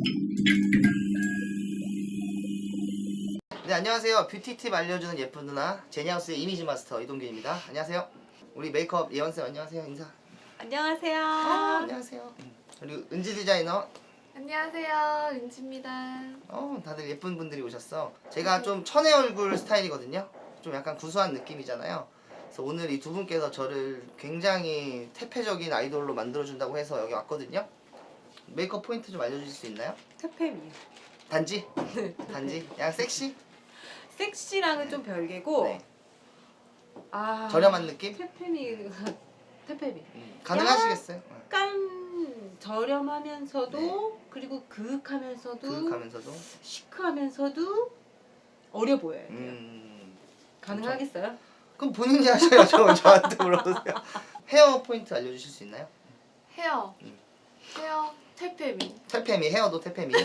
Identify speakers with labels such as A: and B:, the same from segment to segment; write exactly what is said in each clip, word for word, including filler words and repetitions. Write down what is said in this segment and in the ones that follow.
A: 네, 안녕하세요. 뷰티 팁 알려주는 예쁜 누나 제니하우스의 이미지 마스터 이동균입니다. 안녕하세요. 우리 메이크업 예원쌤 안녕하세요. 인사.
B: 안녕하세요.
A: 아, 안녕하세요. 그리고 은지 디자이너.
C: 안녕하세요, 은지입니다.
A: 어, 다들 예쁜 분들이 오셨어. 제가 좀 천의 얼굴 스타일이거든요. 좀 약간 구수한 느낌이잖아요. 그래서 오늘 이 두 분께서 저를 굉장히 태폐적인 아이돌로 만들어준다고 해서 여기 왔거든요. 메이크업 포인트 좀 알려주실 수 있나요?
B: 태페미요.
A: 단지? 단지? 약간 섹시?
B: 섹시랑은 좀 별개고.
A: 네.
B: 아.
A: 저렴한 느낌?
B: 태페미가 태페미.
A: 음, 가능하시겠어요?
B: 약간 저렴하면서도
A: 네.
B: 그리고 그윽하면서도
A: 그윽하면서도
B: 시크하면서도 어려 보여요.
A: 음,
B: 가능하겠어요?
A: 그럼 본인이 하셔야죠. 저한테 물어보세요. 헤어 포인트 알려주실 수 있나요?
C: 헤어.
A: 음.
C: 헤어 태페미.
A: 태페미, 헤어도 태페미.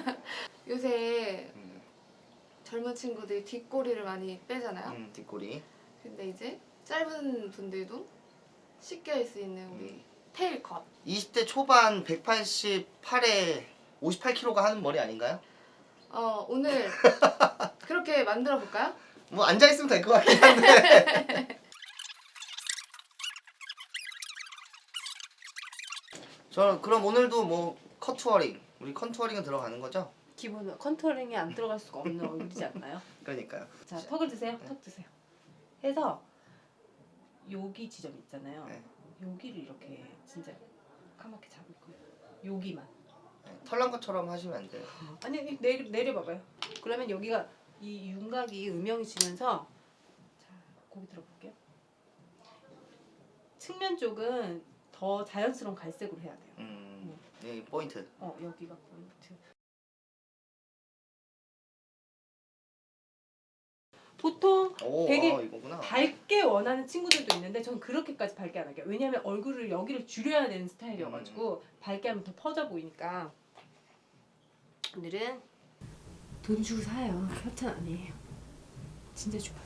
C: 요새
A: 음,
C: 젊은 친구들이 뒷꼬리를 많이 빼잖아요.
A: 음, 뒷꼬리.
C: 근데 이제 짧은 분들도 쉽게 할 수 있는 우리
A: 음.
C: 테일 컷.
A: 이십 대 초반 백팔십팔에 오십팔 킬로그램가 하는 머리 아닌가요?
C: 어, 오늘 그렇게 만들어 볼까요?
A: 뭐 앉아있으면 될 것 같긴 한데. 저 그럼 오늘도 뭐 컨투어링, 우리 컨투어링은 들어가는 거죠?
B: 기본은 컨투어링이 안 들어갈 수가 없는 얼굴이지 않나요?
A: 그러니까요.
B: 자, 턱을 드세요. 턱 드세요. 해서 여기 지점 있잖아요.
A: 네.
B: 여기를 이렇게 진짜 까맣게 잡을 거예요. 여기만.
A: 네, 털난 것처럼 하시면 안 돼요.
B: 아니 내려 내려봐봐요. 그러면 여기가 이 윤곽이 음영해지면서 자 고기 들어볼게요. 측면 쪽은 더 자연스러운 갈색으로 해야 돼요.
A: 음, 이 포인트.
B: 어 여기가 포인트. 보통
A: 오,
B: 되게
A: 어, 이거구나.
B: 밝게 원하는 친구들도 있는데 전 그렇게까지 밝게 안 할게요. 왜냐면 얼굴을 여기를 줄여야 되는 스타일이어가지고
A: 음.
B: 밝게 하면 더 퍼져 보이니까. 오늘은 돈 주고 사요. 협찬 아니에요. 진짜 좋아요.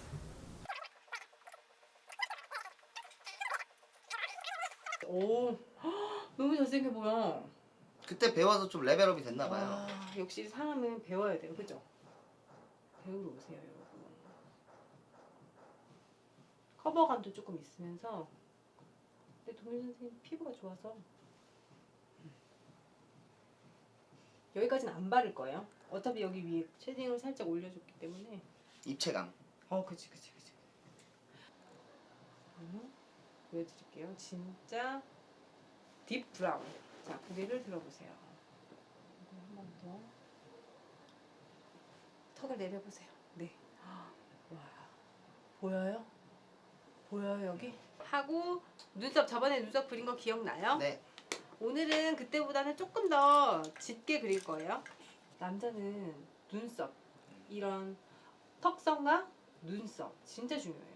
B: 오, 헉, 너무 잘생겨 보여.
A: 그때 배워서 좀 레벨업이 됐나 봐요.
B: 아, 역시 사람은 배워야 돼요, 그죠? 배우러 오세요, 여러분. 커버감도 조금 있으면서. 근데 동일 선생님 피부가 좋아서 여기까지는 안 바를 거예요. 어차피 여기 위에 쉐딩을 살짝 올려줬기 때문에.
A: 입체감.
B: 어, 그치, 그치, 그치. 음, 보여드릴게요. 진짜 딥 브라운. 자, 고개를 들어보세요. 한 번 더. 턱을 내려보세요. 네. 와, 보여요? 보여요 여기? 하고 눈썹 저번에 눈썹 그린 거 기억나요?
A: 네.
B: 오늘은 그때보다는 조금 더 짙게 그릴 거예요. 남자는 눈썹 이런 턱선과 눈썹 진짜 중요해요.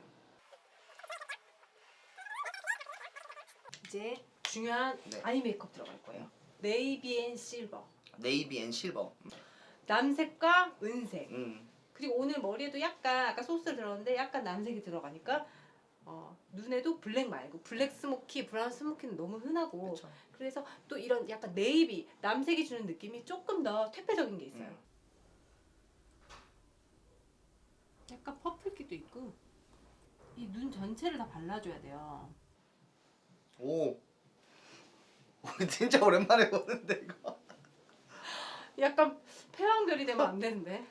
B: 이제 중요한
A: 네.
B: 아이 메이크업 들어갈 거예요. 네이비 앤 실버.
A: 네이비 앤 실버.
B: 남색과 은색.
A: 음.
B: 그리고 오늘 머리에도 약간 아까 소스 들었는데 약간 남색이 들어가니까 어, 눈에도 블랙 말고 블랙 스모키, 브라운 스모키는 너무 흔하고
A: 그쵸.
B: 그래서 또 이런 약간 네이비, 남색이 주는 느낌이 조금 더 퇴폐적인 게 있어요.
A: 음.
B: 약간 퍼플기도 있고 이 눈 전체를 다 발라줘야 돼요.
A: 오. 오, 진짜 오랜만에 보는데 이거.
B: 약간 패왕별이 되면 안 되는데.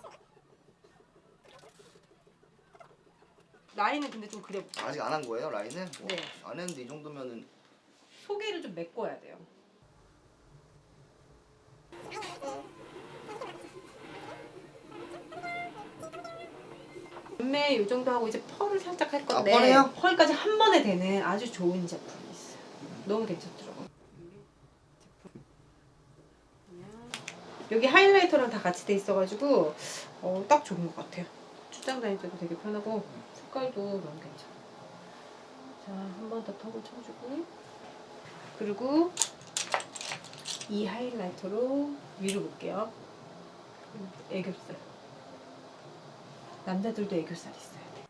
B: 라인은 근데 좀 그려볼게요.
A: 아직 안 한 거예요 라인은? 와,
B: 네.
A: 안 했는데 이 정도면은.
B: 소개를 좀 메꿔야 돼요. 눈매 이 정도 하고 이제 펄을 살짝 할 건데
A: 아, 펄이요?
B: 펄까지 한 번에 되는 아주 좋은 제품이 있어요. 너무 괜찮더라고요. 여기 하이라이터랑 다 같이 돼 있어가지고 어, 딱 좋은 것 같아요. 출장 다닐 때도 되게 편하고 색깔도 너무 괜찮아. 자, 한 번 더 턱을 쳐주고 그리고 이 하이라이터로 위로 볼게요. 애교살. 남자들도 애교살 있어야 돼.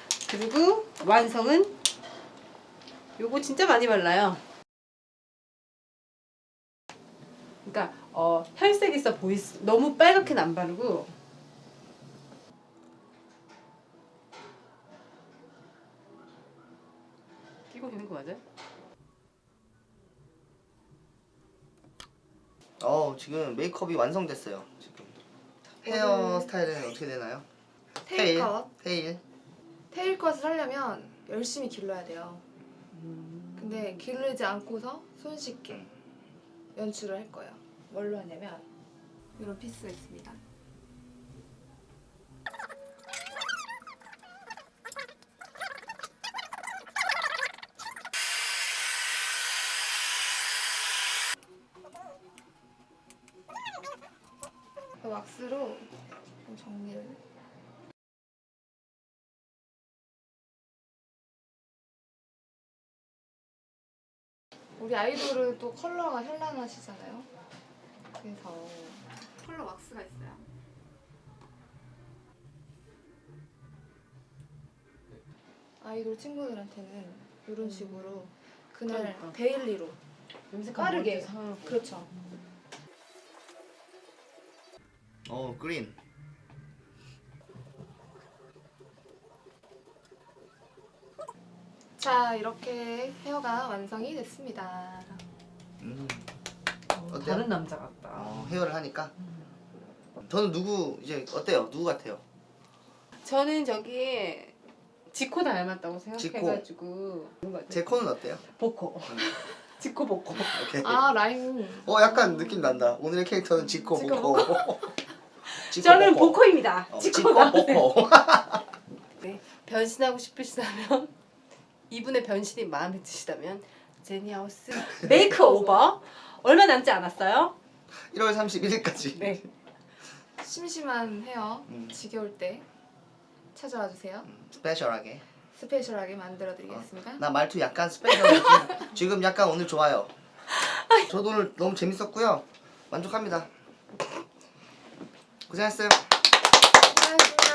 B: 그리고 완성은 요거 진짜 많이 발라요. 그러니까 어, 혈색 있어 보이 너무 빨갛게는 안 바르고 끼고 있는 거 맞아요?
A: 어 지금 메이크업이 완성됐어요. 지금 헤어 스타일은 어떻게 되나요?
C: 테일 컷.
A: 테일.
C: 테일 컷을 하려면 열심히 길러야 돼요. 근데 기르지 않고서 손쉽게 연출을 할 거예요. 뭘로 하냐면 이런 피스가 있습니다. 그 왁스로 좀 정리를. 우리 아이돌은 또 컬러가 현란하시잖아요. 그래서 컬러 왁스가 있어요. 아이돌 친구들한테는 이런 식으로 그날
B: 그러니까.
C: 데일리로
B: 염색한
C: 빠르게.
B: 머리도 상하고.
C: 그렇죠.
A: 어 그린.
C: 자, 이렇게 헤어가 완성이 됐습니다.
A: 음.
B: 어,
A: 어때요?
B: 다른 남자 같다.
A: 어, 헤어를 하니까. 저는 누구 이제 어때요? 누구 같아요?
B: 저는 저기 지코 닮았다고
A: 지코.
B: 생각해가지고
A: 제 코는 어때요?
B: 보코. 지코 보코.
A: 오케이.
C: 아, 라임.
A: 어 약간 느낌 난다. 오늘의 캐릭터는 지코
B: 지코
A: 보코. 지코
B: 저는
A: 보코.
B: 보코입니다.
A: 어,
B: 지코
A: 지코
B: 나오세요.
A: 보코.
B: 네, 변신하고 싶으시다면 이분의 변신이 마음에 드시다면 제니하우스 메이크오버 얼마 남지 않았어요?
A: 일월 삼십일일까지.
B: 네.
C: 심심한 헤어
A: 음.
C: 지겨울 때 찾아와 주세요.
A: 스페셜하게.
C: 스페셜하게 만들어 드리겠습니다.
A: 나 말투 약간 스페셜해. 지금, 지금 약간 오늘 좋아요. 저도 오늘 너무 재밌었고요. 만족합니다. 고생했어요.
C: 고맙습니다.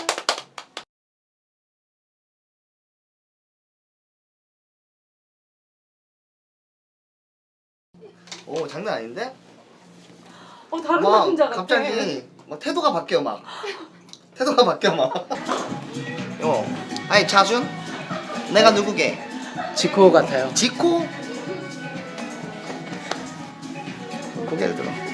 A: 오 장난 아닌데?
B: 어 다른
A: 막
B: 남자 같아.
A: 갑자기 막 태도가 바뀌어 막. 태도가 바뀌어 막. 어. 아니 자준? 내가 누구게?
D: 지코 같아요.
A: 지코? 고개를 들어.